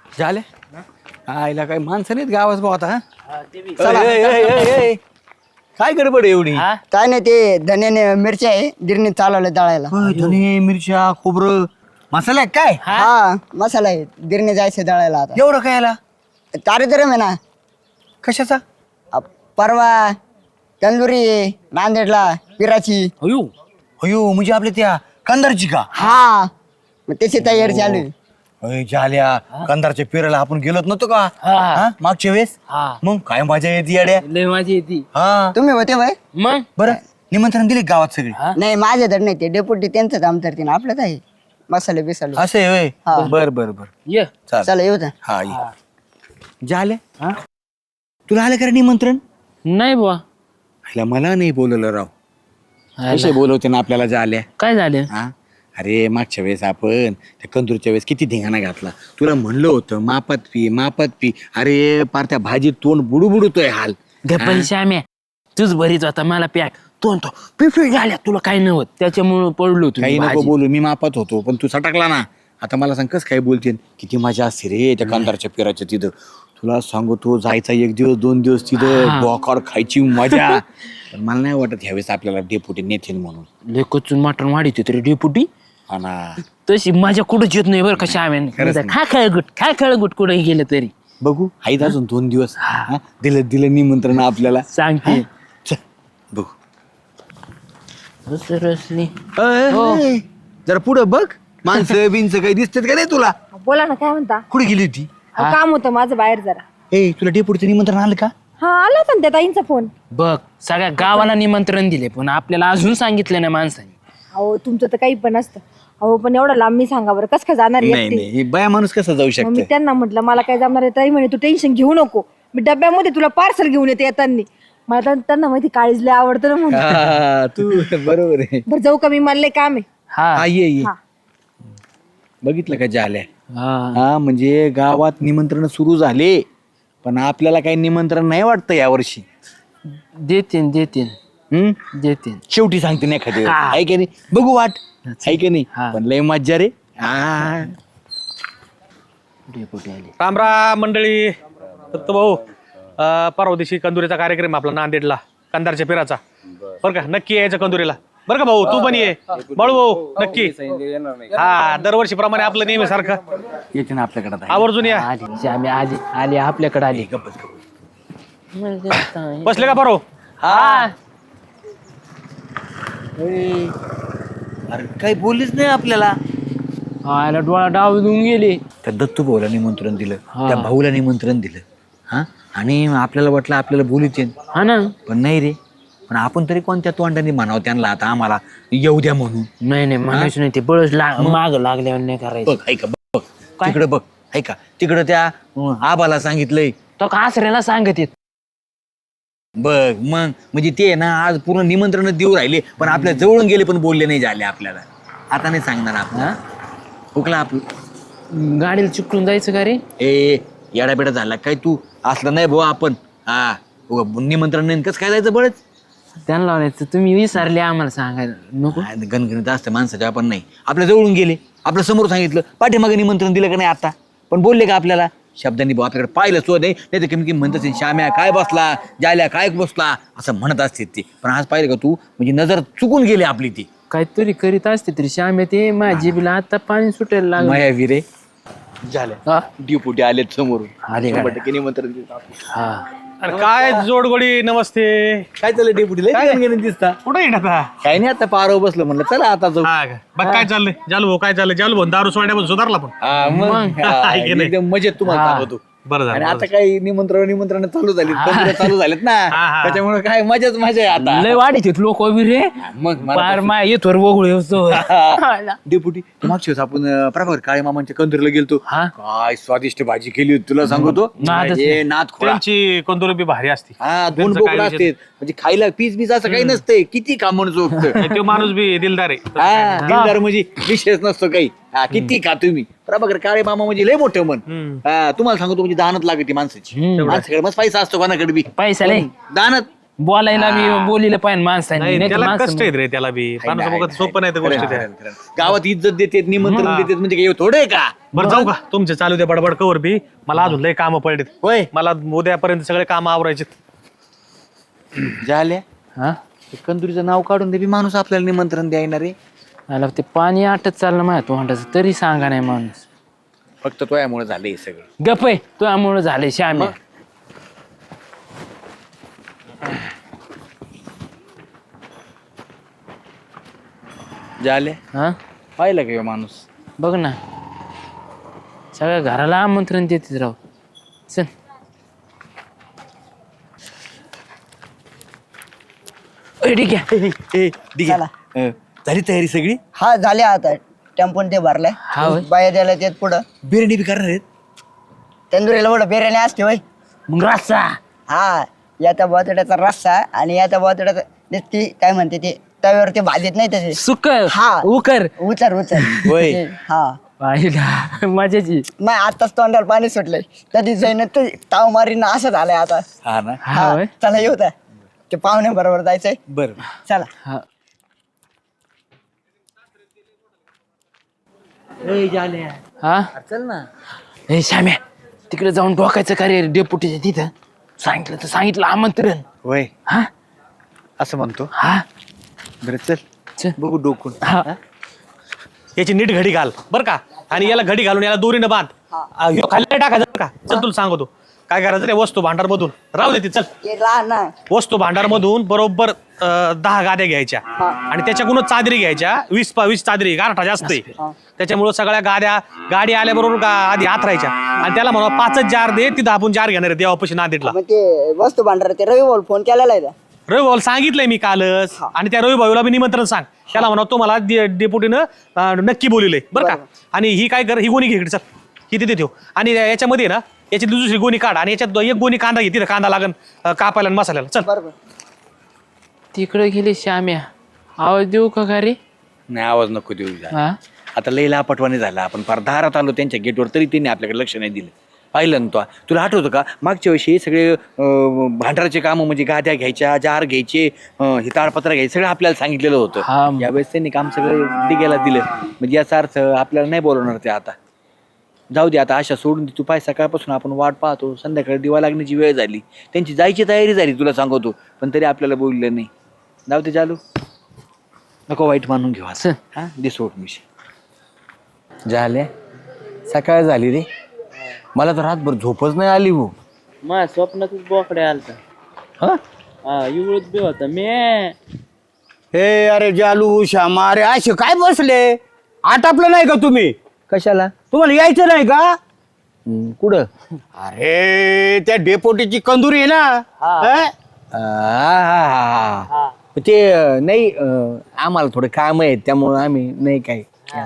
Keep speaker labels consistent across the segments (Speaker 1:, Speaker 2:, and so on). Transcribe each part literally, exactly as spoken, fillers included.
Speaker 1: झाले आईला काही माणसं नाहीत गावात भाऊ आता हा?
Speaker 2: चला.
Speaker 1: ए, ए, ए, ए, ए. काय गडबड आहे एवढी
Speaker 2: काय नाही ते धन्याने मिरच्या आहे गिरणीत चालवलं दळायला.
Speaker 1: होय, धने मिरच्या खोबरं मसाला आहे काय
Speaker 2: हा मसाला आहे गिरणी जायचं दळायला आता.
Speaker 1: एवढं काय याला
Speaker 2: कार्यक्रम आहे ना.
Speaker 1: कशाचा
Speaker 2: अ, परवा तंदुरी आहे नांदेडला पिराची.
Speaker 1: अयो अयो म्हणजे आपल्या त्या कंदारची का
Speaker 2: हा मग त्याची तयारी चालू आहे.
Speaker 1: अय, झाल्या कंदारच्या पेराला आपण गेलोत नव्हतो का हा? मागच्या वेळेस मग काय मजा येते येड्या
Speaker 3: लय माझी येते
Speaker 1: हा
Speaker 2: तुम्ही होते भाई?
Speaker 3: मग
Speaker 1: बरं निमंत्रण दिले गावात सगळे
Speaker 2: नाही माझ्या तर नाही ते डेप्युटी त्यांचं काम करते आपलं आहे मसाले बिसाले.
Speaker 1: असं आहे होय?
Speaker 2: हा.
Speaker 1: बर बर बर
Speaker 3: ये
Speaker 1: चाल
Speaker 2: चला येऊ द्या.
Speaker 1: हा ये. झाल्या तुला आलं का निमंत्रण
Speaker 3: नाही बुवा
Speaker 1: आईला मला नाही बोलवलं राव कसे बोलवते ना आपल्याला झाल्या
Speaker 3: काय झालं
Speaker 1: हा अरे मागच्या वेळेस आपण त्या कंदूरच्या वेळेस किती धिंगाणा घातला तुला म्हणलं होतं मापात पी मापात पी अरे पार त्या भाजीत तोंड बुडू बुडतोय हाल
Speaker 3: गप्पा श्याम्या तूच भरीत होता मला पॅक तो तो पिफी झाल्या तुला काही नव्हत त्याच्यामुळे पडलो तू
Speaker 1: काही नको बोलू मी मापात होतो पण तू सटकला ना आता मला सांग कस काय बोलते किती मजा असते रे त्या कंदारच्या पेराच्या तिथं तुला सांगू तू जायचा एक दिवस दोन दिवस तिथं बोकाड खायची मजा पण मला नाही वाटत ह्यावेळेस आपल्याला डेपुटी नेतील म्हणून
Speaker 3: लेकचून मटण वाढीत तरी डेपुटी
Speaker 1: हा ना
Speaker 3: तशी माझ्या कुठंच येत नाही बरं का श्याम्याने खा खेळ गुट खा खेळ गुट कुठे गेलं तरी
Speaker 1: बघू आहेत अजून दोन दिवस हा? दिलं दिलं निमंत्रण आपल्याला
Speaker 3: सांगते
Speaker 1: चल बघू
Speaker 3: रसरसली
Speaker 1: अय, अय, जरा पुढं बघ माणसं बिनचं काही दिसतात का नाही तुला
Speaker 4: बोला ना काय म्हणता
Speaker 1: कुठे गेली होती
Speaker 4: अहो, काम होतं माझं बाहेर जरा.
Speaker 1: ए तुला डेपुटीचं निमंत्रण आलं का
Speaker 4: हा आला होता ना त्या ताईंचा फोन.
Speaker 3: बघ सगळ्या गावाला निमंत्रण दिले पण आपल्याला अजून सांगितलं नाही माणसाने
Speaker 4: अहो तुमचं तर काही पण असतं. अहो पण एवढं लांब मी सांगा बरं कसं काय जाणार आहे
Speaker 1: नाही
Speaker 4: एकटी?
Speaker 1: नाही हे बाया माणूस कसा जाऊ
Speaker 4: मग मी
Speaker 1: शकतो
Speaker 4: त्यांना म्हटलं मला काय जमणार आहे ताई म्हणे तू टेन्शन घेऊ नको मी डब्यामध्ये तुला पार्सल घेऊन येते येताना. मला तर- त्यांना माहिती काळीज लय आवडतं ना म्हणून.
Speaker 1: तू बरोबर आहे
Speaker 4: बरं जाऊ का मी मला लय काम आहे.
Speaker 3: हा
Speaker 1: हा ये ये
Speaker 4: हा.
Speaker 1: बघितलं का झाल्या
Speaker 3: हा
Speaker 1: हा म्हणजे गावात निमंत्रण सुरू झाले पण आपल्याला काही निमंत्रण नाही वाटतं यावर्षी
Speaker 3: देतीन देतीन
Speaker 1: हम्म
Speaker 3: देतीन
Speaker 1: शेवटी सांगते नाही एखादी वेळेस.
Speaker 3: हा.
Speaker 1: आहे की नाही बघू वाट आहे की नाही
Speaker 3: हा.
Speaker 1: पण लय मज्जा रे हा
Speaker 3: डेपुटी आले
Speaker 5: राम राम मंडळी दत्त भाऊ अं, परवा दिवशी कंदुरीचा कार्यक्रम आहे आपला नांदेडला कंदारच्या पेराचा बरं का नक्की यायचं कंदुरीला बरं का भाऊ तू पण ये बाळू भाऊ नक्की हा दरवर्षी प्रमाणे आपलं नेहमी सारखं
Speaker 1: येते ना आपल्याकडे आता.
Speaker 5: आवर्जून या
Speaker 3: आली श्याम्या आली आली आपल्याकडे आली
Speaker 5: बसले का बरो
Speaker 3: हा
Speaker 1: अरे काही बोललीच नाही आपल्याला
Speaker 3: आला डोळा डाव देऊन गेले
Speaker 1: त्या दत्तू भाऊला निमंत्रण दिलं
Speaker 3: हा.
Speaker 1: त्या भाऊला निमंत्रण दिलं हा आणि आपल्याला वाटलं आपल्याला बोलूच
Speaker 3: हा ना
Speaker 1: पण नाही रे पण आपण तरी कोणत्या तोंडाने म्हणावं त्यांना आता आम्हाला येऊ द्या म्हणून
Speaker 3: नाही नाही म्हणायचं नाही ते बळच माग लागल्यावर नाही करायचं
Speaker 1: बघ ऐका बघ तिकडे बघ ऐका तिकडं त्या अं, आबाला सांगितलंय
Speaker 3: तो का आसऱ्याला सांगत येत
Speaker 1: बघ मग म्हणजे ते ना आज पूर्ण निमंत्रण देऊ राहिले पण आपल्या जवळून गेले पण बोलले नाही झाले आपल्याला आता नाही सांगणार आपण हा? हुकला आपलं
Speaker 3: गाडीला चिकटून जायचं का रे
Speaker 1: ए येडा बेडा झाला काय तू असलं नाही भाऊ आपण हा उगा निमंत्रण नाही कसं काय जायचं बळच
Speaker 3: त्यांना लावायचं तुम्ही विसरले आम्हाला सांगायला नको
Speaker 1: गणगणित असतं माणसाच्या आपण नाही आपल्या जवळून गेले आपल्या समोर सांगितलं पाठीमागे निमंत्रण दिलं का नाही आता पण बोलले का आपल्याला शब्दांनी भाऊ आपल्याकडे पाहिलं सो नाही नाही तर कमी कमी म्हणत असेल श्याम्या काय बसला जायल्या काय बसला असं म्हणत असते ते पण आज पाहिलं का तू म्हणजे नजर चुकून गेली आपली ती
Speaker 3: काहीतरी करीत असते तरी श्याम ते माझी बिला आता पाणी सुटायला लागलं
Speaker 1: माया विरे झालं
Speaker 3: हा?
Speaker 1: ड्युपुटी आलेत समोरून
Speaker 3: आले का?
Speaker 1: शंभर टक्के निमंत्रण देतो आपण.
Speaker 3: हा
Speaker 5: अरे काय जोडगोडी नमस्ते
Speaker 1: काय चाललंय डेपुटीला दिसता
Speaker 5: कुठे येणार आता
Speaker 1: काही नाही आता पारो बसलो म्हणलं चला आता जाऊ
Speaker 5: हा का? बघ काय चाललंय जालू भाऊ काय चाललंय जालू भाऊ दारू सोडण्यापासून सुधारला पण
Speaker 1: हा, मग हा,
Speaker 5: आहे की नाही?
Speaker 1: एकदम मजेत तुम्हाला
Speaker 3: हा.
Speaker 1: सांगतो
Speaker 5: बरं झालं
Speaker 1: आणि
Speaker 5: बरं
Speaker 1: आता काही निमंत्रण निमंत्रण चालू झाली तंत्र चालू झालेत ना
Speaker 5: हा, हा.
Speaker 1: त्याच्यामुळे काय मजाच मजा आहे आता
Speaker 3: लय वाढीत लोक रे
Speaker 1: मग मला
Speaker 3: पार माय येतोर वगळू येतो
Speaker 1: डेपुटी मागच्या वेळेस आपण अं, प्रभाकर काळे मामांच्या कंदरला गेलतो
Speaker 3: हा?
Speaker 1: काय स्वादिष्ट भाजी केली होती तुला सांगतो
Speaker 3: नादच
Speaker 1: ए, नाद खोळा
Speaker 5: त्यांची कंदुरी बी भारी असती
Speaker 1: हा दोन
Speaker 5: त्यांचं
Speaker 1: बोकडं
Speaker 5: काय
Speaker 1: असते म्हणजे खायला पीस बीस असं काही नसतंय किती कामण चोखत
Speaker 5: तो माणूस बी दिलदार आहे
Speaker 1: हा दिलदार म्हणजे विशेष नसतो काही हा किती खा तुम्ही प्रभाकर काळे मामा म्हणजे लय मोठं मन
Speaker 5: हम्म.
Speaker 1: हा तुम्हाला सांगतो म्हणजे दानत लागते माणसाची
Speaker 3: हम्म.
Speaker 1: माणसाकडे मस्त पैसा असतो कोणाकडे बी
Speaker 3: पैसा लय
Speaker 1: दानत
Speaker 3: बोलायला बी बोलीला पाहिजे माणसांनी
Speaker 5: नाही
Speaker 3: नाही तर
Speaker 5: त्याला
Speaker 3: माणसं
Speaker 5: कष्ट आहेत रे त्याला बी माणूस बघत सोपं नाही त्या गोष्टी त्या.
Speaker 1: गावात इज्जत देतात निमंत्रण देतात म्हणजे काही थोडे का
Speaker 5: बरं जाऊ का तुमचे चालू द्या बडबड कवर बी मला अजून लय कामं पडलेत
Speaker 1: होय
Speaker 5: मला उद्यापर्यंत सगळे काम आवरायचे
Speaker 1: झाल्या
Speaker 3: हा
Speaker 1: कंदुरीचं नाव काढून दे बी माणूस आपल्याला निमंत्रण द्यायना रे
Speaker 3: मला ते पाणी आटत चाललं माझ्या तोंडाचं तरी सांगा नाही माणूस
Speaker 1: फक्त तो यामुळे झालं हे सगळं
Speaker 3: गप आहे तुझ्यामुळं झालंय श्याम्या
Speaker 1: झाले
Speaker 3: हा
Speaker 1: पाहिलं का ह्यो माणूस
Speaker 3: बघ ना सगळ्या घराला आमंत्रण देते राव चल ए, ठीक आहे
Speaker 1: ए, ए, ठीक आहे. अं, झाली तयारी सगळी
Speaker 2: हा झाले आता टेम्पोन ते भरलाय
Speaker 3: हा होय.
Speaker 2: बाया द्यायला त्यात पुढं
Speaker 1: बिर्याणी बी करणार आहेत
Speaker 2: तंदुरीला पुढं बिर्याणी असते होय
Speaker 3: मग रस्सा
Speaker 2: हा याचा बटाट्याचा रस्सा आणि याचा बटाट्याचा ती काय म्हणते ते तव्यावर ते भाजत नाही तसे
Speaker 3: सुक
Speaker 2: हा.
Speaker 3: उकर
Speaker 2: उचर उचर
Speaker 1: होय.
Speaker 2: हा
Speaker 3: पाहिला मजाची
Speaker 2: मग आताच तोंडाला पाणी सुटलंय कधी जाईन ते ताव मारीन असं झालंय आता
Speaker 1: हा ना
Speaker 3: हा
Speaker 2: हा
Speaker 3: होय.
Speaker 2: चला येऊ द्या ते पाहुणे बरोबर जायचंय
Speaker 1: बर
Speaker 2: चला
Speaker 3: हा हा
Speaker 1: चल ना
Speaker 3: ए श्याम्या तिकडे जाऊन डोकायचं कार्य डेपुटीच्या तिथं सांगितलं तर सांगितलं आमंत्रण
Speaker 1: होय
Speaker 3: हा
Speaker 1: असं म्हणतो
Speaker 3: हा
Speaker 1: बरं चल
Speaker 3: चल.
Speaker 1: बघू डोकून
Speaker 3: हा
Speaker 5: याची नीट घडी घाल बर का आणि याला घडी घालून याला दोरीनं बांध आ, ह्यो खाली नाही टाकायचं बरं का चल तुला सांगतो काय करायचं रे वस्तू भांडार मधून राहू दे ती, चल
Speaker 2: ते लहान ना
Speaker 5: वस्तू भांडार मधून बरोबर अं, दहा गाद्या घ्यायच्या आणि त्याच्याकडूनच चादरी घ्यायच्या वीस पा वीस चादरी गारठा जास्त आहे त्याच्यामुळे सगळ्या गाद्या गाडी आल्याबरोबर गा आधी हात राहायच्या आणि त्याला म्हणा पाचच जार दे तिथं आपण जार घेणार आहे देवापाशी नांदेडला
Speaker 2: मग ते वस्तू भांडार ते रवी बोल फोन केलेला आहे का?
Speaker 5: रवी भाऊ सांगितलंय मी कालच आणि त्या रवी भाऊला बी निमंत्रण सांग त्याला म्हणा तुम्हाला डेपुटीनं अं, नक्की बोलिलंय बरं का आणि ही काय कर ही गोणी घे इकडे, चल ही तिथे ठेव आणि याच्यामध्ये ना याची दुसरी गोणी काढ आणि याच्यात एक गोणी कांदा घे तिथं कांदा लागन अं, कापायला आणि मसाल्याला चल
Speaker 2: बरोबर
Speaker 3: तिकडे गेली श्याम्या आवाज देऊ का का रे
Speaker 1: नाही आवाज नको देऊ जा.
Speaker 3: हा
Speaker 1: आता लई लापटवाने झाला आपण फार दारात आलो त्यांच्या गेटवर तरी त्यांनी आपल्याकडे लक्ष नाही दिलं पाहिलं ना तो तुला आठवतं का मागच्या वर्षी हे सगळे अं, भांडाराचे कामं म्हणजे गाद्या घ्यायच्या जार घ्यायचे अं, हे ताडपत्र घ्यायचे सगळं आपल्याला सांगितलेलं
Speaker 3: हा.
Speaker 1: होतं यावेळेस त्यांनी काम सगळं डिगेला दिलं म्हणजे याचा अर्थ आपल्याला नाही बोलवणार ते आता जाऊ दे आता आशा सोडून दे तू पाय सकाळपासून आपण वाट पाहतो संध्याकाळी दिवा लागण्याची वेळ झाली त्यांची जायची तयारी झाली तुला सांगतो पण तरी आपल्याला बोललं नाही जाऊ दे चालू नको वाईट मानून घेऊ
Speaker 3: चल.
Speaker 1: हा दे सोड मिशी झाले सकाळ झाली रे मला तर रातभर झोपच नाही आली हो
Speaker 3: माझ्या स्वप्नातच बोकडे आलता
Speaker 1: हा
Speaker 3: हा एवढंच बी होता मी
Speaker 6: हे अरे जालू श्यामा अरे असे काय बसले आटापलं नाही का तुम्ही
Speaker 1: कशाला
Speaker 6: तुम्हाला यायचं नाही का
Speaker 1: हम्म, कुठं
Speaker 6: अरे त्या डेपोटीची कंदुरी आहे ना हं?
Speaker 1: आ, हा, हा, हा. ते अं, नाही अं, आम्हाला थोडं काम आहेत त्यामुळं आम्ही नाही काय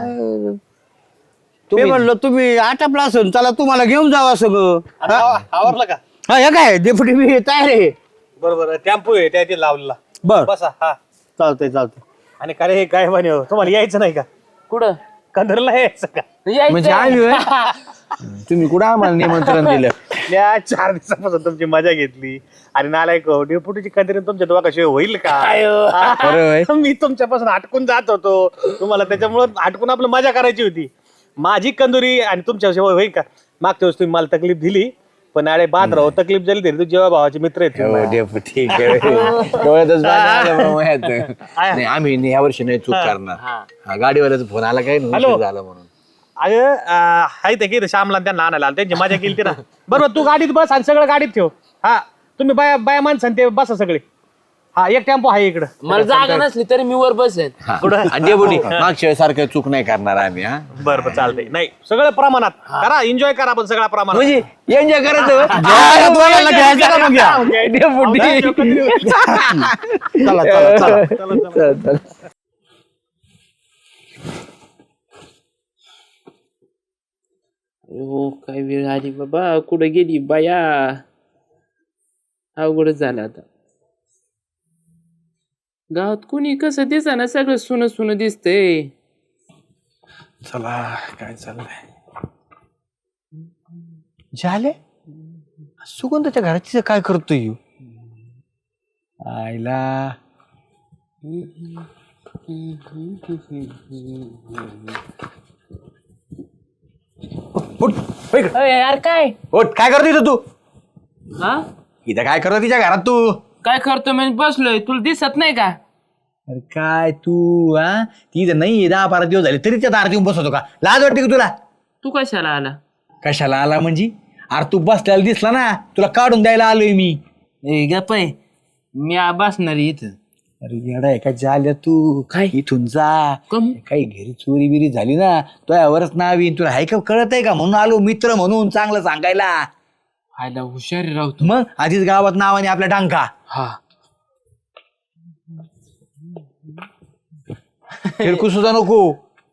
Speaker 6: मी म्हणलं तुम्ही आटापला असेल चला तुम्हाला घेऊन जावा सगळं
Speaker 5: आवरलं का
Speaker 6: हा हे काय डेपुटी मी तयार आहे
Speaker 5: बरोबर टेम्पो आहे त्या लावलेला
Speaker 6: बर
Speaker 5: बसा हा
Speaker 6: चालतंय चालतंय
Speaker 5: आणि का रे काय म्हणे तुम्हाला यायचं नाही का
Speaker 3: कुठं
Speaker 5: कंदरला यायचं का
Speaker 1: म्हणजे आम्ही होय? तुम्ही कुठं आम्हाला निमंत्रण दिलं
Speaker 5: या चार दिवसापासून तुमची मजा घेतली आणि नालायक डेपुटीची कंदरी तुमच्या दोघा कशी होईल का
Speaker 1: खरं होय?
Speaker 5: मी तुमच्यापासून हटकून जात होतो तुम्हाला त्याच्यामुळे हटकून आपलं मजा करायची होती माझी कंदुरी आणि तुमच्या शिवाय होईल का मागच्या वेळेस तुम्ही मला तकलीफ दिली पण अरे बाद राहो तकलीफ झाली तरी तू जेव्हा भावाचे मित्र आहेत
Speaker 1: हो,
Speaker 5: तुम्ही.
Speaker 1: डेपुटी, डोळ्यातच पाणी आलं बा माझ्यात. नाही आम्ही या वर्षी नाही चूक करणार हा, गाडीवाल्याचा फोन आला काय नाही,
Speaker 5: हॅलो.
Speaker 1: उशीर झाला म्हणून
Speaker 5: अगं अं, हाय ते की श्यामला आणि त्यांना आणायला आलं. त्यांची मजा केली ती ना बरोबर तू गाडीत बस आणि सगळं गाडीत ठेव हा तुम्ही बाया बाया माणसं ते बसा सगळे हा एक टेम्पो आहे इकडं
Speaker 3: मला जागा नसली तरी मी वर बसेल
Speaker 1: हा. आणि डेपुटी मागच्या वेळेस सारखं चूक नाही करणार आम्ही हा
Speaker 5: बरं बरं चालतंय नाही सगळं प्रमाणात करा एन्जॉय करा पण सगळ्या प्रमाणात
Speaker 1: म्हणजे एन्जॉय करायचं होय?
Speaker 6: जेवायला दोघांना घ्यायचं का मग घ्या?
Speaker 1: डेपुटी.
Speaker 6: चला चला चला
Speaker 1: चल, चल.
Speaker 3: हो काय वेळ आली बाबा कुठं गेली बाया अवघडच झालं आता गावात कुणी कसं दिसा सगळं सुन सुन दिसतंय
Speaker 1: चला काय चाललंय झाले सुगंधाच्या घराची काय करतोय ह्यो? आईला उठ, हो इकडं.
Speaker 3: अय, यार काय
Speaker 1: उठ, काय करतो इथं तू
Speaker 3: हा
Speaker 1: इथं काय करतो तिच्या घरात तू
Speaker 3: काय करतो मी बसलोय तुला दिसत नाही का?
Speaker 1: अरे काय तू हा ती इथं नाही दहा बारा दिवस झाले तरी त्या दारात येऊन बसवतो का लाज वाटते का तुला
Speaker 3: तू कशाला आला?
Speaker 1: कशाला आला म्हणजे अरे तू बसल्याला दिसला ना तुला काढून द्यायला आलोय मी
Speaker 3: ए गप आहे. मी आ- बसणार आहे इथं.
Speaker 1: अरे येडा आहे का झाल्या तू
Speaker 3: काय?
Speaker 1: इथून जा
Speaker 3: कम
Speaker 1: काही घरी चोरी बिरी झाली ना तो यावरच नाव येईन तुला हाय का कळत आहे का म्हणून आलो मित्र म्हणून चांगलं सांगायला
Speaker 3: आयला हुशार आहे राव तू.
Speaker 1: मग आधीच गावात नावाने आपल्या डांका
Speaker 3: हा
Speaker 1: फिरकू सुद्धा नको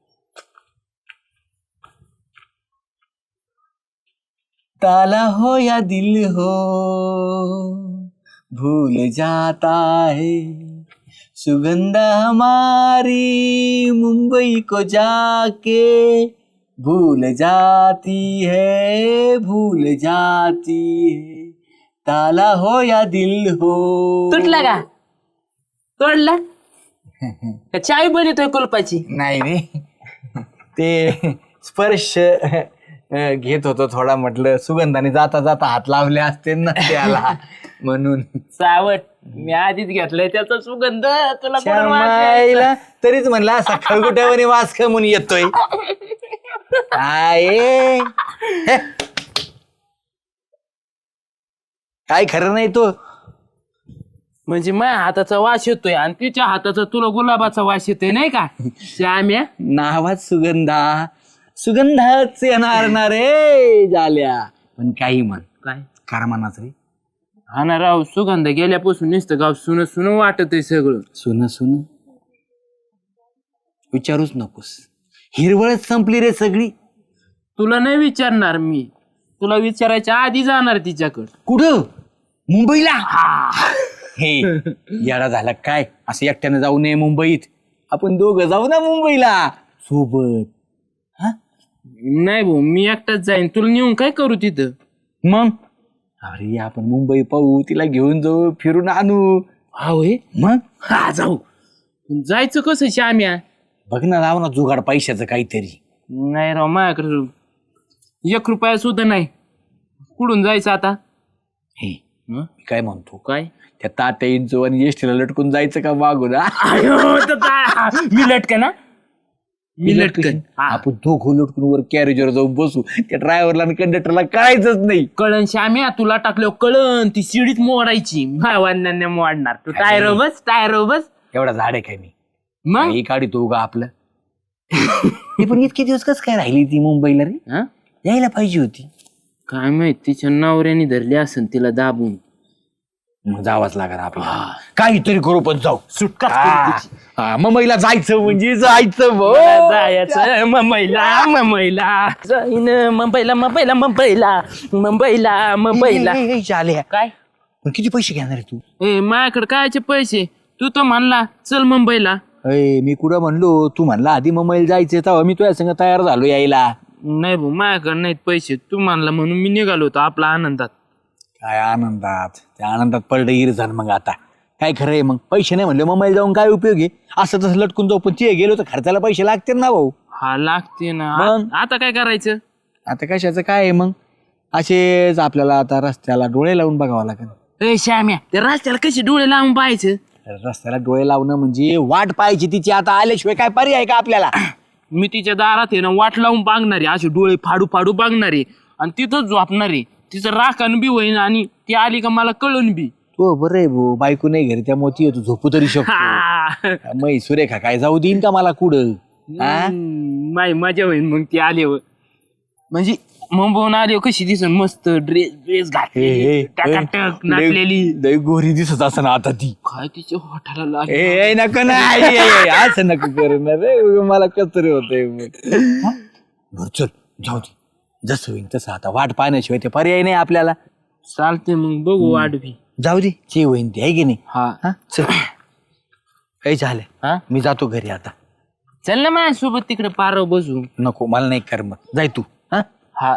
Speaker 1: ताला हो या दिल हो भूल जाता है सुगंध हमारी मुंबई को जाके भूल जाती है भूल जाती है ताला हो या दिल हो
Speaker 3: तुटला का? तोडला का चावी बनवतोय कुलपाची?
Speaker 1: नाही रे ते स्पर्श अ, घेत होतो थोडा म्हटलं सुगंधाने जाता जाता हात लावले असते ना त्याला म्हणून
Speaker 3: सावट मी आधीच घेतलंय त्याचा सुगंध तुला कोण वाटेल?
Speaker 1: श्यामाईला तरीच म्हणला असा खळगुट्यावर वास खमून येतोय आहे हे. काय खरं नाही तो
Speaker 3: म्हणजे माझ्या हाताचा वास येतोय आणि तिच्या हाताचा तुला गुलाबाचा वास येतोय नाही का श्याम्या?
Speaker 1: नावात सुगंधा सुगंधाच येणार ना रे झाल्या पण काही म्हण
Speaker 3: काय
Speaker 1: कारमानाच रे
Speaker 3: हा ना राव सुगंध गेल्यापासून नुसतं गाव सुन सुन वाटत आहे सगळं.
Speaker 1: सुन सुन विचारूच नकोस हिरवळच संपली रे सगळी
Speaker 3: तुला नाही विचारणार मी तुला विचारायच्या आधी जाणार तिच्याकडं.
Speaker 1: कुठं मुंबईला हे येडा झाला काय असं एकट्यानं जाऊ नये मुंबईत आपण दोघं जाऊ ना मुंबईला सोबत
Speaker 3: नाही भाऊ मी एकटाच जाईन तुला नेऊन काय करू तिथं?
Speaker 1: मग अरे आपण मुंबई पाहू तिला घेऊन जाऊ फिरून आणू
Speaker 3: हा होय
Speaker 1: मग
Speaker 3: हा जाऊ. पण जायचं कसं श्याम्या?
Speaker 1: बघ ना राव ना जुगाड पैशाचं काहीतरी
Speaker 3: नाही राव माझ्याकडे एक रुपया सुद्धा नाही. कुठून जायचं आता?
Speaker 1: हे मी काय म्हणतो
Speaker 3: काय
Speaker 1: त्या तात्या इंचो आणि एसटीला लटकून जायचं का मागून हा?
Speaker 3: आयो, तर ता- मी लटकन ना मी लटकन हा.
Speaker 1: आपण दोघं लटकून वर कॅरेजवर जाऊन बसू त्या ड्रायव्हरला आणि कंडक्टरला कळायचंच नाही
Speaker 3: कळण श्याम्या तुला टाकलं कळण ती शिडीत मोडायची भावांना मोडणार तू टायर बस टायर बस
Speaker 1: एवढा झाड आहे काय मी
Speaker 3: मग
Speaker 1: काही काढी तो का आपलं हे पण इतके दिवस कस काय राहिली ती मुंबईला रे
Speaker 3: हा?
Speaker 1: यायला पाहिजे होती
Speaker 3: काय माहित तिच्या नवऱ्याने धरली असन तिला दाबून.
Speaker 1: मग जावाच लागणार आपल्याला काहीतरी करू पण जाऊ
Speaker 3: सुटका
Speaker 1: हा मुंबईला जायचं म्हणजे जायचं भाऊ.
Speaker 3: जायचं मुंबईला मुंबईला जाईन मुंबईला मुंबईला मुंबईला मुंबईला मुंबईला.
Speaker 1: ए, ए, ए, झाल्या.
Speaker 3: काय
Speaker 1: पण किती पैसे घेणार आहे तू
Speaker 3: ए माझ्याकडे कायचे पैसे? तू तर म्हणला चल मुंबईला.
Speaker 1: अय मी कुठं म्हणलो तू म्हणला आधी मुंबईला जायचं तेव्हा मी तुझ्या संग तयार झालो यायला
Speaker 3: नाही भाऊ माझ्याकडे नाहीत पैसे तू म्हणला म्हणून मी निघालो होतो आपला आनंदात.
Speaker 1: काय आनंदात त्या आनंदात पडलं इर झालं मग आता काय खरं आहे मग पैसे नाही म्हणले मुंबईला जाऊन काय उपयोग आहे असं तसं लटकून जाऊ पण ते गेलो तर खर्चाला पैसे लागतील ना भाऊ.
Speaker 3: हा लागते ना.
Speaker 1: मग?
Speaker 3: आ- आता काय करायचं?
Speaker 1: आता कशाचं काय आहे मग असेच आपल्याला आता रस्त्याला डोळे लावून बघावं लागेल.
Speaker 3: ए श्याम्या त्या रस्त्याला कशी डोळे लावून पाहायचं?
Speaker 1: रस्त्याला डोळे लावणं म्हणजे वाट पाहायची तिची आता आल्याशिवाय काय पर्याय का आपल्याला.
Speaker 3: मी तिच्या दारात आहे ना वाट लावून बागणारे असे डोळे फाडू फाडू बागणारे आणि तिथंच झोपणारे तिचं राखण बी होईन आणि ती आली का मला कळून बी.
Speaker 1: तो बरं आहे भाऊ बायको नाही घरी त्यामुळे ती येतो झोपू तरी शकतो.
Speaker 3: हा.
Speaker 1: मै सुरेखा काय जाऊ देईन का मला कुठं हा?
Speaker 3: हम्म, माय मजा होईन मग ती आल्यावर. म्हणजे मुंबईहून आल्यावर कशी दिसन मस्त ड्रेस ड्रेस
Speaker 1: हे, हे,
Speaker 3: घातली टकाटक
Speaker 1: लय-
Speaker 3: नाचलेली.
Speaker 1: लय गोरी दिसत असं ना आता ती
Speaker 3: काय तिच्या होठाला
Speaker 1: ए
Speaker 3: लागली.
Speaker 1: ए, नको ना आई, आई, आई, असं नको करू ना रे उगा मला कसतरी होतंय मग. बरं चल जाऊ दे जसं होईल तसं आता वाट पाहण्याशिवाय ते पर्याय नाही आपल्याला.
Speaker 3: चालते मग बघू वाढवी.
Speaker 1: जाऊ दे जे होईन ते आहे की नाही.
Speaker 3: हा
Speaker 1: हा चल काही झालं
Speaker 3: हा
Speaker 1: मी जातो घरी आता.
Speaker 3: चल ना माझ्यासोबत तिकडे पारव बसू.
Speaker 1: नको मला नाही कर मग जाय तू हा
Speaker 3: हा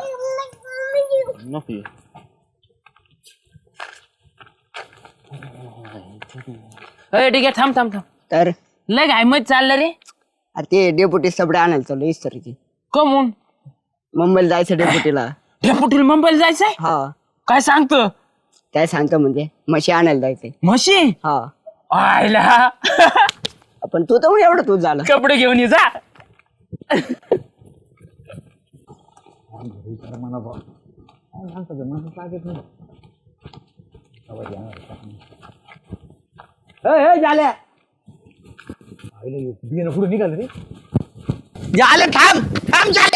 Speaker 3: नको येऊ. अरे ठीक आहे, थांब थांब थांब.
Speaker 2: तर
Speaker 3: लय घाय मत चाललं रे.
Speaker 2: अरे ते डेपुटी सबडे आणायला चालू इस्तरीची.
Speaker 3: कमून
Speaker 2: मुंबईला जायचं डेपुटीला.
Speaker 3: डेपुटीला मुंबईला जायचंय?
Speaker 2: हा
Speaker 3: काय सांगतो?
Speaker 2: काय सांगतो म्हणजे म्हशी आणायला जायचंय.
Speaker 3: म्हशी?
Speaker 2: हा
Speaker 3: आयला
Speaker 2: पण तू तर एवढं तू झालं.
Speaker 3: कपडे घेऊन ये जा.
Speaker 2: झाल्या
Speaker 1: पुढे निघाल रे. झाले थांब थांब झाले.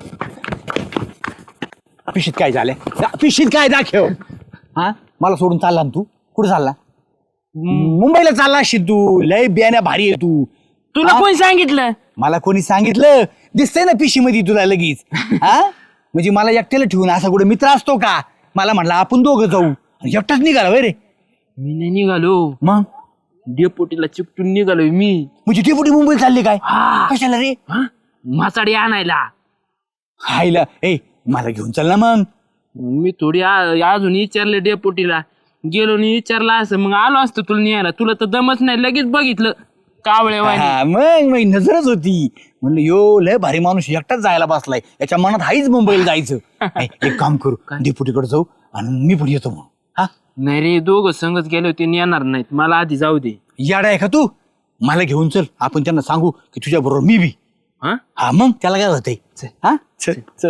Speaker 1: पिशीत काय झाले? पिशीत काय दाखव. हा मला सोडून चालला ना तू? कुठे चालला? मुंबईला चालला अशी तू. लय बियाण्या भारी आहे तू.
Speaker 3: तुला कोण सांगितलं?
Speaker 1: मला कोणी सांगितलं? दिसतंय ना पिशी मध्ये तुला लगेच. हा म्हणजे मला एकट्याला ठेवून असा कुठे मित्र असतो का? मला म्हणलं आपण दोघं जाऊ. एकटाच निघाला वय रे.
Speaker 3: मी नाही निघालो,
Speaker 1: मग
Speaker 3: डेपुटीला चिपटून निघालोय मी.
Speaker 1: म्हणजे ती पुढे मुंबईला चालली काय?
Speaker 3: हा.
Speaker 1: कशाला रे?
Speaker 3: मासाडी आणायला.
Speaker 1: हायला ए मला घेऊन चल ना मग.
Speaker 3: मी थोडी आ- अजून विचारले डेपुटीला. गेलो नि विचारला असं मग आलो असतो तुला न्यायला. तुला तर दमच नाही, लगेच बघितलं कावळे
Speaker 1: हा, मग मग नजरच होती. म्हणलं यो लय भारी माणूस एकटाच जायला बसलाय. याच्या मनात हाईच मुंबईला जायचं. ए, एक काम करू, डेपुटीकडे जाऊ आणि मी पुढे येतो मग. हा
Speaker 3: नाही रे, दोघं संगच गेले होते, येणार नाहीत. मला आधी जाऊ दे.
Speaker 1: याडा आहे का तू? मला घेऊन चल, आपण त्यांना सांगू की तुझ्या बरोबर मी बी.
Speaker 3: हा
Speaker 1: हा मग त्याला काय होतंय? हा चल चल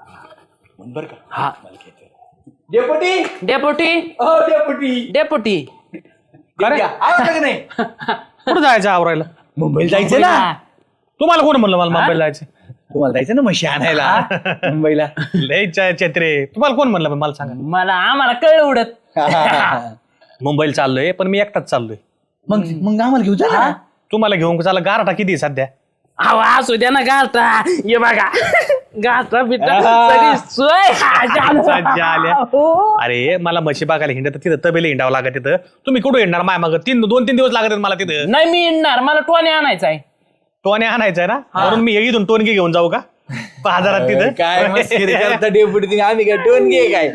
Speaker 1: बर का.
Speaker 3: हा.
Speaker 1: डेपुटी
Speaker 3: डेपुटी
Speaker 1: हो डेपुटी.
Speaker 3: डेपुटी
Speaker 1: अरे आवाज का नाही?
Speaker 5: कुठं जायचं आवरायला?
Speaker 1: मुंबईला जायचं ना.
Speaker 5: तुम्हाला कोण म्हणलं मला मुंबईला जायचं?
Speaker 1: तुम्हाला जायचं ना म्हशी आणायला मुंबईला.
Speaker 5: लय च- चत्रे. तुम्हाला कोण म्हणलं मला सांगा.
Speaker 3: मला आम्हाला कळ उडत.
Speaker 5: मुंबईला चाललोय पण मी एकटाच चाललोय.
Speaker 1: मग मग आम्हाला घेऊन जा ना.
Speaker 5: तुम्हाला घेऊन चालला गारठा किती आहे सध्या?
Speaker 3: अहो असू द्या ना गाठा. ये बघा गाठा बिटा सगळी सोय.
Speaker 5: सज्जा आल्या.
Speaker 3: हो.
Speaker 5: अरे मला म्हशी बघायला हिंडत तिथं तबेले हिंडावं लागत तिथं. तुम्ही कुठं हिंडणार माय मग? तीन दोन तीन दिवस लागत आहेत मला तिथं.
Speaker 3: नाही मी येणार, मला टोने आणायचा आहे.
Speaker 5: टोने आणायचा आहे ना, म्हणून मी इथून टोनगी घेऊन जाऊ का बाजारात तिथं?
Speaker 1: काय मस्करी करता डेपुटी. आम्ही काय टोन घे काय?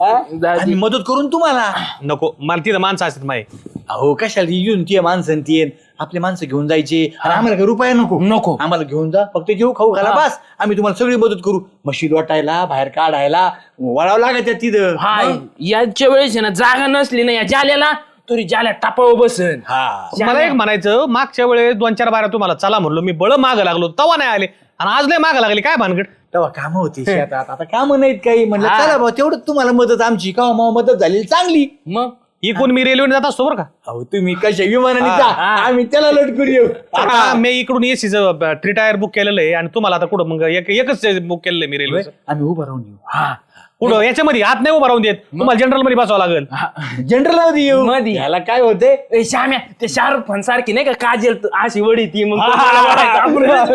Speaker 1: आणि मदत करून तुम्हाला
Speaker 5: नको, मला तिथं माणसं असतात माय.
Speaker 1: अहो कशाला येऊन ती माणसं ती आपले माणसं घेऊन जायचे. आणि आम्हाला काही रुपया नको
Speaker 3: नको.
Speaker 1: आम्हाला घेऊन जा, फक्त जेव खाऊ घाला बस. आम्ही तुम्हाला सगळी मदत करू. म्हशी वाटायला, बाहेर काढायला, वळावं लागत तिथं.
Speaker 3: हाय याच्या वेळेस आहे ना, जागा नसली ना या जाल्याला तरी जाल्या टापाव बसन.
Speaker 1: हा
Speaker 5: मला एक म्हणायचं, मागच्या वेळेस दोन चार बारा तुम्हाला चला म्हणलो मी, बळ माग लागलो तवा नाही आले आणि आज लय माग लागले. काय भानगड?
Speaker 1: तेव्हा कामं होती शेतात, आता कामं नाहीत काही. म्हणलं चला भाऊ तेवढं तुम्हाला मदत आमची का मदत झालेली चांगली.
Speaker 3: मग
Speaker 5: इकडून मी रेल्वेने जात असतो बरं का.
Speaker 1: अहो तुम्ही कशा विमानाने जा, आम्ही त्याला लटकून येऊ.
Speaker 5: आता मी इकडून एसीचं थ्री टायर बुक केलेलं आहे आणि तुम्हाला आता कुठं मग एक- एकच बुक केलेलं आहे मी रेल्वे.
Speaker 1: आम्ही उभं राहून येऊ.
Speaker 3: हा
Speaker 5: कुठं याच्यामध्ये हात नाही उभा राहून देत, तुम्हाला जनरल मध्ये बसावं लागेल.
Speaker 1: जनरल मध्ये येऊ.
Speaker 3: मध्ये.
Speaker 1: याला काय होते?
Speaker 3: ए, श्याम्या ते शाहरुख खान सारखी नाही का काजल त- अशी वडी ती मग तो मला वडायचा. आपण रेल्वे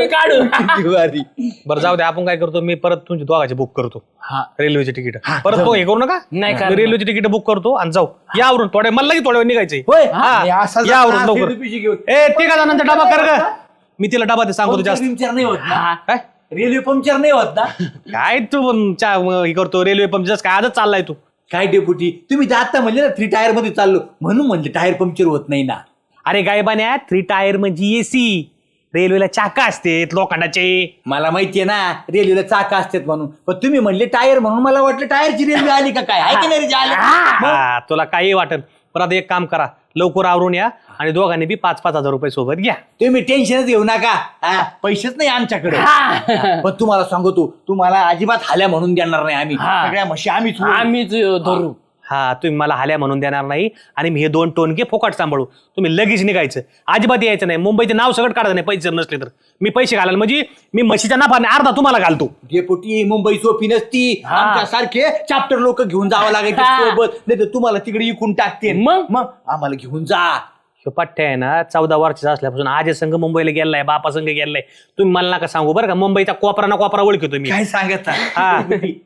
Speaker 3: काढू.
Speaker 5: बरं जाऊ दे, आपण काय करतो, मी परत तुमची दोघाची बुक करतो
Speaker 3: हा.
Speaker 5: रेल्वेची तिकीट. परत तो हे करू नका.
Speaker 3: नाही
Speaker 5: मी
Speaker 3: करणार.
Speaker 5: रेल्वेची तिकीट बुक करतो आणि जाऊ. यावरून थोड्या मला लगेच थोड्या वेळ निघायचंय.
Speaker 1: होय
Speaker 5: हा.
Speaker 1: आणि असा जर
Speaker 5: यावरून
Speaker 1: त्रास
Speaker 5: लवकर.
Speaker 1: आहे, पिशी घेऊन.
Speaker 5: ए ते का जणांचा डबा कर ग. मी तिला डबा ते सांगतो जास्त.
Speaker 1: पंक्चर नाही होत ना.
Speaker 3: हा.
Speaker 5: काय
Speaker 1: रेल्वे पंक्चर नाही होत ना.
Speaker 5: काय तू पण चा- हे करतो रेल्वे पंप जस्ट काय आजच चाललाय तू.
Speaker 1: काय डेपुटी तुम्ही तर आता म्हणले ना थ्री टायर मध्ये चाललो म्हणून म्हणले टायर पंक्चर होत नाही ना.
Speaker 5: अरे गायबान्या, थ्री टायर म्हणजे एसी. रेल्वेला चाका असते लोखंडाचे.
Speaker 1: मला माहितीये ना रेल्वेला चाका असतात म्हणून, पण तुम्ही म्हणले टायर म्हणून मला वाटलं टायरची रेल्वे आली का काय. आहे की नाही रे जे आली?
Speaker 5: हा, तुला काही वाटत. पण आता एक काम करा, लवकर आवरून या आणि दोघांनी बी पाच पाच हजार रुपये सोबत घ्या.
Speaker 1: तुम्ही टेन्शनच घेऊ नका. हा, पैसेच नाही आमच्याकडे.
Speaker 3: हा.
Speaker 1: पण तुम्हाला सांगतो, तुम्हाला अजिबात हाल्या म्हणून देणार नाही आम्ही.
Speaker 3: हा.
Speaker 1: सगळ्या म्हशी आम्हीच होऊ.
Speaker 3: आम्हीच धरू.
Speaker 5: हा, तुम्ही मला हाल्या म्हणून देणार नाही आणि मी हे दोन टोनके फोकाट सांभाळू. तुम्ही लगेच निघायचं, अजिबात यायचं नाही. मुंबईचे नाव सगळं काढायचं नाही पैसे नसले तर. मी पैसे घालायला म्हणजे मी म्हशीच्या नाफाने अर्धा तुम्हाला घालतो.
Speaker 1: डेपुटी मुंबई सोपी नसती.
Speaker 3: हा.
Speaker 1: आमच्या सारखे चॅप्टर लोक घेऊन जावं लागायचे
Speaker 3: हा.
Speaker 1: सोबत, नाही तर तुम्हाला तिकडे इकून टाकते.
Speaker 3: मग?
Speaker 1: मग आम्हाला घेऊन जा.
Speaker 5: ह्यो पठ्ठ्या आहे ना, चौदा वर्षाचा असल्यापासून आज संघ मुंबईला गेलाय, बापा संघ गेलाय. तुम्ही मला नका सांगू बरं का, मुंबईचा कोपरा ना कोपरा ओळखतो मी.
Speaker 1: काय सांगत
Speaker 5: हा.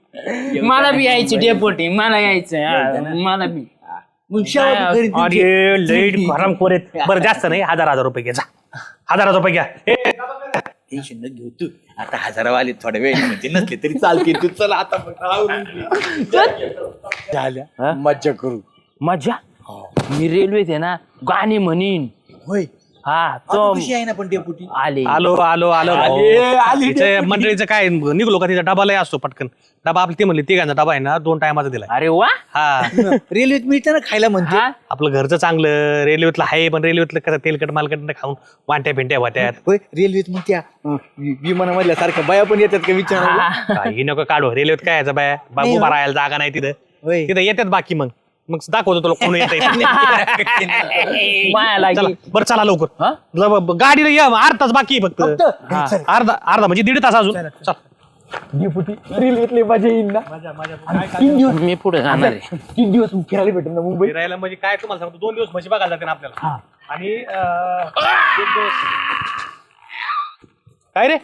Speaker 3: मला बी यायची डेपोटी, मला यायचं हा, मला बी.
Speaker 1: मग शेवट घरी तुमची-
Speaker 5: अरे लईट गरम कोरेत. बरं जास्त नाही, हजार हजार रुपये घ्या. जा हजार हजार रुपये घ्या. ए,
Speaker 1: टेन्शन न घेऊ तू. आता हजारावाले थोड्या वेळ म्हणजे नसले तरी चालते. तू चला आता मग आवरून घे. झाल्या मज्जा करू.
Speaker 3: मजा मी रेल्वेत आहे ना गाणी म्हणीन.
Speaker 1: होय
Speaker 3: हा तो
Speaker 1: कशी आहे ना पण डेपुटी
Speaker 3: आले.
Speaker 5: आलो आलो आलो
Speaker 1: आले, आले
Speaker 5: तिच्या मंडळीचं काय निघलो का तिचा डबालाही असतो पटकन डबा आपली ती म्हणली तिघांचा डबा आहे ना दोन टायमाचा दिलाय.
Speaker 3: अरे वा.
Speaker 5: हा
Speaker 1: रेल्वेत मिळतं ना खायला म्हणते
Speaker 3: हा?
Speaker 5: आपलं घरचं चांगलं रेल्वेतलं आहे पण रेल्वेतलं कसं तेलकट मालकट खाऊन वाट्या पिंट्या वाट्यात
Speaker 1: होय रेल्वेत मग त्या अं, वि- विमानामधल्या सारख्या बाया पण येतात का विचारायला
Speaker 5: काही नको काढू रेल्वेत काय यायचं बाय बाबू उभा राहायला जागा नाही तिथं
Speaker 1: होय
Speaker 5: तिथं येतात बाकी मग मग दाखवतो तुला कोण येत
Speaker 3: माया लागी.
Speaker 5: बरं चला लवकर
Speaker 3: हा?
Speaker 5: ल- ब- गाडीला या अर्धा तास बाकी आहे फक्त हा, अर्धा अर्धा म्हणजे दीड तास अजून चल.
Speaker 1: डेपुटी रेल्वेतले मजा येईल ना
Speaker 3: मी पुढे जाणार आहे.
Speaker 1: तीन दिवस फिरायला भेटेल ना मुंबई
Speaker 5: फिरायला म्हणजे काय तुम्हाला सांगतो दोन दिवस म्हशी बघायला जाते ना आपल्याला आणि अं, दोन दिवस- काय रे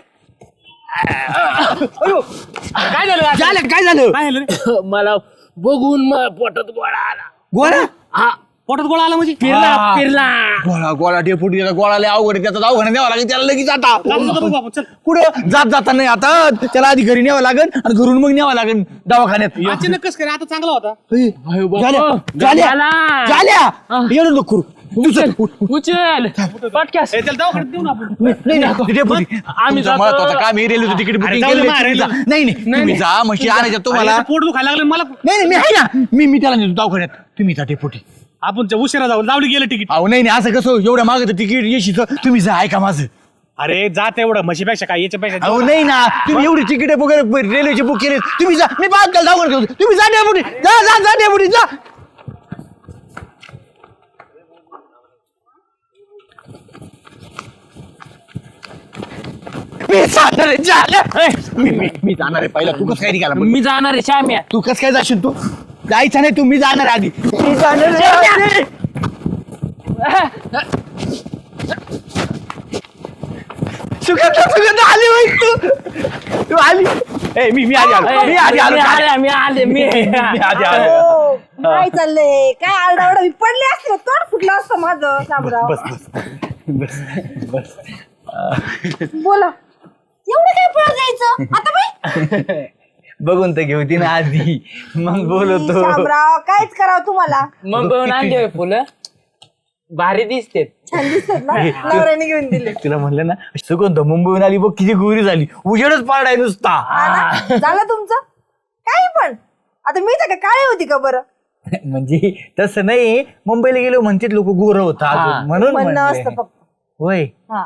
Speaker 5: काय झालं आज?
Speaker 1: झालं काय झालं
Speaker 5: काय झालं रे?
Speaker 3: मला बघून मग पोटात गोळा आला.
Speaker 1: गोळा
Speaker 3: हा
Speaker 5: पोटात गोळा आला म्हणजे
Speaker 3: फिरला फिरला.
Speaker 1: गोळा गोळा डेपुटी त्याचा गोळा लय अवघड आहे, त्याचा दवाखान्यात न्यावा लागेल त्याला लगेच आता
Speaker 5: जाऊ दे बाबा, चल.
Speaker 1: कुठं जात जाता नाही आता त्याला आधी घरी न्यावं लागेल आणि घरून मग न्यावं लागेल दवाखान्यात
Speaker 5: अचानक कसं काय आता चांगला होता
Speaker 1: हे, झाल्या झाल्या
Speaker 3: झाला.
Speaker 1: झाल्या येणं नको करू दुसरं.
Speaker 3: उचल पटक्यास.
Speaker 5: ए, चल दवाखान्यात देऊ ना आपण
Speaker 1: नाही नाही डेपुटी
Speaker 3: आम्ही
Speaker 1: तुमचं
Speaker 3: जातो.
Speaker 1: महत्वाचं काम हे रेल्वेचं तिकीट
Speaker 5: अरे
Speaker 1: बुकिंग
Speaker 5: जाऊ दे
Speaker 1: केलं
Speaker 5: मा,
Speaker 1: तुम्ही जा.
Speaker 5: रेल्वे.
Speaker 1: नाही नाही तुम्ही जा म्हशी आणायच्या तुम्हाला
Speaker 5: अरे, पोट दुखायला लागलं मला
Speaker 1: नाही नाही मी आहे ना मी मी त्याला नेतो दवाखान्यात तुम्ही जा डेपुटी
Speaker 5: आपण जे उशिरा जाऊ लावली गेलं तिकीट
Speaker 1: अहो नाही नाही असं कसं एवढ्या मागत तिकीट येशीच तुम्ही जा ऐका माझं
Speaker 5: अरे जात एवढं म्हशीपेक्षा काय याच्यापेक्षा
Speaker 1: अहो नाही ना तुम्ही एवढी तिकीट वगैरे रेल्वेचे बुक केले तुम्ही जा मी बाद त्याला दवाखान्यात ठेवतो. तुम्ही जा डेपुटी जा जा जा डेपुटी जा मी जाणार आहे, जाणार आहे. मी मी- मी जाणार आहे पहिला तू कसं काय निघाला
Speaker 3: मी जाणार आहे श्याम्या.
Speaker 1: तू कसं काय जाशील तू जायचं नाही तू मी जाणार आधी मी जाणार आहे आधी. सुगंधा सुगंधा आली बाई तू तू आली ए मी मी आधी आलो मी आधी आलो
Speaker 3: मी आले मी आले मी
Speaker 1: मी आधी आलो
Speaker 4: हो, काय चाललंय काय आरडाओरडा मी पडले असते तोंड फुटलं असतं माझं शामराव. बोला एवढं काय पळत जायचं आता बाई.
Speaker 1: बघून तर घेऊ ती ना आधी मग बोलवतो
Speaker 4: शामराव कायच करावं तुम्हाला.
Speaker 3: मग बघून आणले फुलं भारी दिसते.
Speaker 4: छान दिसतात ना नवऱ्याने घेऊन दिले.
Speaker 1: तुला म्हणलं ना सुगंध मुंबईहून आली बघ किती गोरी झाली उजेडच पाडाय नुसता
Speaker 4: हा ना? झालं तुमचं काही पण आता मी तर काळी होती का बरं.
Speaker 1: म्हणजे तसं नाही मुंबईला गेलो म्हणते लोक गोर होता
Speaker 3: हा.
Speaker 1: म्हणून
Speaker 4: म्हणणं
Speaker 1: म्हणले.
Speaker 4: असतं फक्त.
Speaker 1: होय
Speaker 4: हा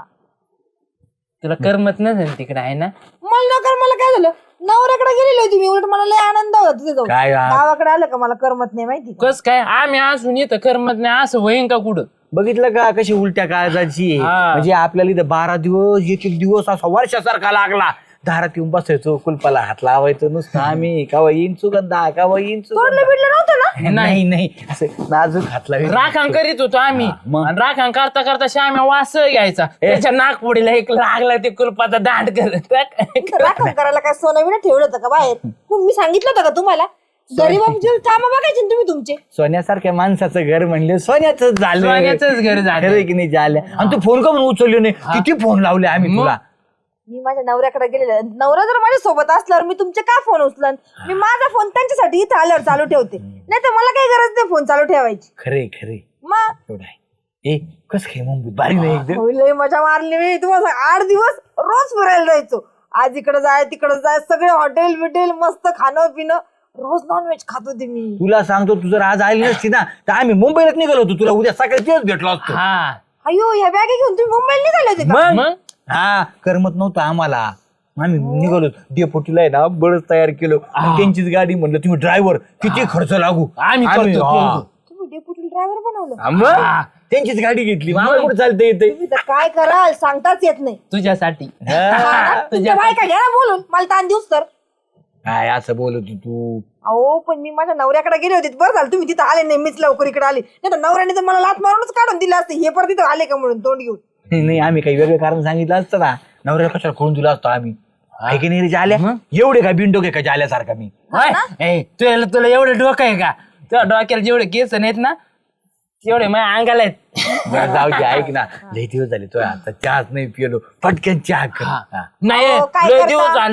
Speaker 3: तुला करमत नसेल तिकडे आहे ना.
Speaker 4: मला नकर मला काय झालं नवऱ्याकडे गेलेली होती मी उलट मला लय आनंद होता तिथे जाऊन.
Speaker 1: काय आ-
Speaker 4: गावाकडे आलं का मला करमत नाही माहिती का?
Speaker 3: कस काय आम्ही असून येतं करमत नाही असं होईन का कुठं.
Speaker 1: बघितलं का कशी उलट्या काळजाची आहे.
Speaker 3: हा.
Speaker 1: म्हणजे आपल्याला इथं बारा दिवस एक एक दिवस असा वर्षासारखा लागला दारात येऊन बसायचो कुलपाला हात लावायचं नुसतं आम्ही कावा येईन सुगंधा कावा येईन
Speaker 4: तोडलं
Speaker 1: सुगंधा
Speaker 4: बिडलं नव्हतं ना.
Speaker 1: नाही नाही असं नाजूक हात लावायचं.
Speaker 3: राखण करीत होतो आम्ही
Speaker 1: मग?
Speaker 3: आणि राखण करता करता श्याम्या वास घ्यायचा त्याच्या नागपुडीला एक लागला ते कुलपाचा दांड करत.
Speaker 4: राखण करायला काय सोनं बिनं ठेवलं होतं का बाहेर कोण मी सांगितलं होतं का तुम्हाला गरीबांचे कामं बघायचे ना तुम्ही तुमचे.
Speaker 1: सोन्यासारख्या माणसाचं घर म्हणले सोन्याच झालं
Speaker 3: सोन्याचंच घर झालं.
Speaker 1: खरं आहे की नाही झालं आणि तू फोन का म्हणून उचलले नाही किती फोन लावले आम्ही तुला
Speaker 4: मी माझ्या नवऱ्याकडे गेलेले नवरा जर माझ्या सोबत असल्यावर मी तुमचे का फोन उचलन मी माझा फोन त्यांच्यासाठी इथं आल्यावर चालू ठेवते नाही तर मला काही गरज नाही फोन चालू ठेवायची.
Speaker 1: खरे खरे
Speaker 4: मग
Speaker 1: एवढं आहे ए कस काय मुंबई बारी नाही एकदम
Speaker 4: होय, लय मजा मारली मी तुम्हाला सांग, आठ दिवस रोज फिरायला जायचो. आज इकडे जाय तिकडे जाय सगळे हॉटेल बिटेल मस्त खाणं पिणं रोज नॉनव्हेज खात होते मी.
Speaker 1: तुला सांगतो तू जर आज आली नसती ना तर आम्ही मुंबईलाच निघालो होतो तुला उद्या सकाळी तेच भेटलो असतो.
Speaker 3: हा
Speaker 4: अयो ह्या बॅगे घेऊन तुम्ही मुंबईला निघाले होते का?
Speaker 3: मग
Speaker 1: हा करमत नव्हतं आम्हाला आम्ही निघालो डेपोटीला आहे ना बळच तयार केलं आणि त्यांचीच गाडी म्हणलं तुम्ही ड्रायव्हर किती खर्च लागू
Speaker 3: आम्ही करतो,
Speaker 1: हा.
Speaker 3: करतो.
Speaker 4: तुम्ही डेप्युटी ड्रायव्हर बनवलं
Speaker 1: हा, मग? त्यांचीच गाडी घेतली मग आम्हाला कुठे चालतं येते
Speaker 4: तुम्ही तर काय कराल सांगताच येत नाही.
Speaker 3: तुझ्यासाठी
Speaker 4: हा ना? तुमच्या बायका घ्या ना बोलून मला ताण दिवस तर.
Speaker 1: काय असं बोलत होती तू
Speaker 4: अहो पण मी माझ्या नवऱ्याकडे गेले होते बरं झालं तुम्ही तिथं आले नाही मीच लवकर इकडे आले नाही तर नवऱ्याने तर मला लात मारूनच काढून दिलं असते हे परत तिथं आले का म्हणून तोंड घेऊन.
Speaker 1: नाही नाही, आम्ही काही वेगळं कारण सांगितलं असतं ना नवऱ्याला कशाला खोडून दिला असतो आम्ही ऐक नाही रे जाल्या एवढे का बिंडो का जाल्यासारखा मी
Speaker 3: होय? ए, तुला तुला एवढं डोकं आहे का तुझ्या डोक्याला जेवढे केस नाहीत ना तेवढे माझ्या अंगाला आहेत.
Speaker 1: बरं, जाऊ दे ऐक ना लई दिवस झाले तो आता चहाच नाही पिलो पटकन चहा कर हा.
Speaker 3: नाही
Speaker 4: अहो, काय
Speaker 3: लय
Speaker 4: करता?
Speaker 3: दिवस झाले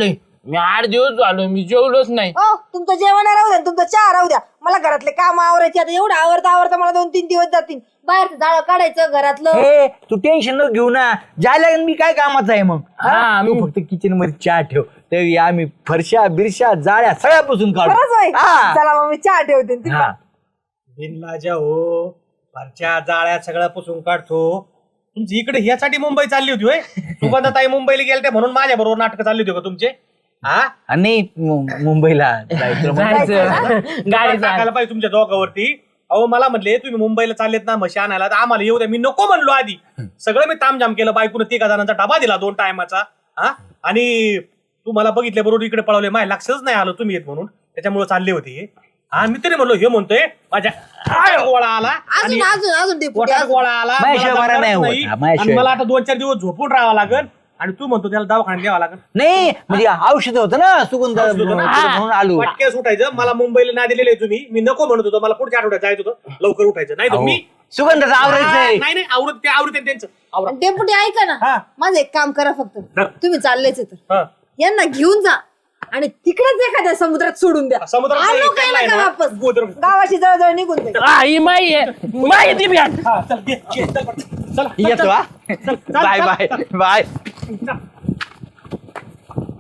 Speaker 3: मी आठ दिवस झालो मी जेवलोच नाही.
Speaker 4: हो तुमचं जेवण राहू द्या तुमचं चहा राहू द्या, मला घरातले काम आवरायचे. आता एवढं आवरता आवरता मला दोन तीन दिवस जातील. बाहेरचं जाळं काढायचं घरातलं.
Speaker 1: हे तू टेन्शन न घेऊ ना, जायला मी काय कामाचं आहे मग.
Speaker 3: हा,
Speaker 1: तू फक्त किचन मध्ये चहा ठेव, तरी आम्ही फरशा बिरशा जाळ्या सगळ्यापासून काढू.
Speaker 4: खरंच होय.
Speaker 1: हा.
Speaker 4: चला मग मी चहा ठेवते.
Speaker 1: हा.
Speaker 5: बिनलाजा हो, फारच्या जाळ्या सगळ्या पुसून काढतो. तुमची इकडे ह्यासाठी मुंबई चालली होती होय? सुगंधाताई मुंबईला गेलते म्हणून माझ्या बरोबर नाटक चालली होती का तुमचे? हा
Speaker 1: आणि मु- मुंबईला जायचं म्हणून.
Speaker 3: जायचं गाडी
Speaker 5: टाकायला पाहिजे तुमच्या दोघांवरती. अहो मला म्हणले तुम्ही मुंबईला चाललेत ना म्हशी आणायला, तर आम्हाला येऊ द्या. मी नको म्हणलो आधी, सगळं मी तामझाम केलं. बायकोनं तिघा जणांचा डबा दिला दोन टायमाचा. हा आणि तुम्हाला बघितल्या बरोबर इकडे पळवले, माझ्या लक्षच नाही आलं तुम्ही येत म्हणून, त्याच्यामुळे चालले होते. हा मी तरी म्हणलो हे म्हणतोय माझ्या पोटात गोळा आला आणि
Speaker 4: अजून अजून अजून डेपुटी
Speaker 5: पोटात
Speaker 4: अजून.
Speaker 5: गोळा आला,
Speaker 1: माझ्याशिवाय
Speaker 5: मला
Speaker 1: बरं नाही
Speaker 5: जमणारच
Speaker 1: होत.
Speaker 5: नाही.
Speaker 1: हा, माझ्याशिवाय.
Speaker 5: आणि मला आता दोन चार दिवस झोपून राहावं लागेल. आणि तू म्हणतो त्याला दवाखान्यात द्यावा लागेल.
Speaker 1: नाही म्हणजे औषध होतं ना सुगंध म्हणून आलो.
Speaker 5: पटके सुटायचं. मला मुंबईला ना दिलेले तुम्ही, मी नको म्हणत होतो. मला पुढच्या आठवड्यात जायचं होतं, लवकर उठायचं. नाही तर
Speaker 1: अहो,
Speaker 5: मी
Speaker 1: सुगंधाचं आवरायचंय.
Speaker 5: नाही नाही आवडत ते आवडत त्यांचं आवडत.
Speaker 4: आणि डेपुटी ऐका ना,
Speaker 5: हा.
Speaker 4: माझं एक काम करा फक्त.
Speaker 5: हा.
Speaker 4: तुम्ही चाललेच तर
Speaker 5: हा.
Speaker 4: यांना घेऊन जा आणि तिकडेच एखाद्या समुद्रात सोडून द्या.
Speaker 5: समुद्रात
Speaker 4: आलो
Speaker 5: नाही,
Speaker 4: काय
Speaker 5: चाललाय
Speaker 4: नका
Speaker 5: ना.
Speaker 4: वापस.
Speaker 5: गोदर.
Speaker 4: गावाची जवळजवळ निघून जाईल.
Speaker 3: आई माई आहे माई ती बॅट.
Speaker 5: हा, चल, घे, घे, चल, चल, चल, चल,
Speaker 1: येतो हा.
Speaker 5: चल, चल,
Speaker 1: बाय
Speaker 5: चल,
Speaker 1: बाय
Speaker 5: चल.
Speaker 1: बाय.
Speaker 5: चल.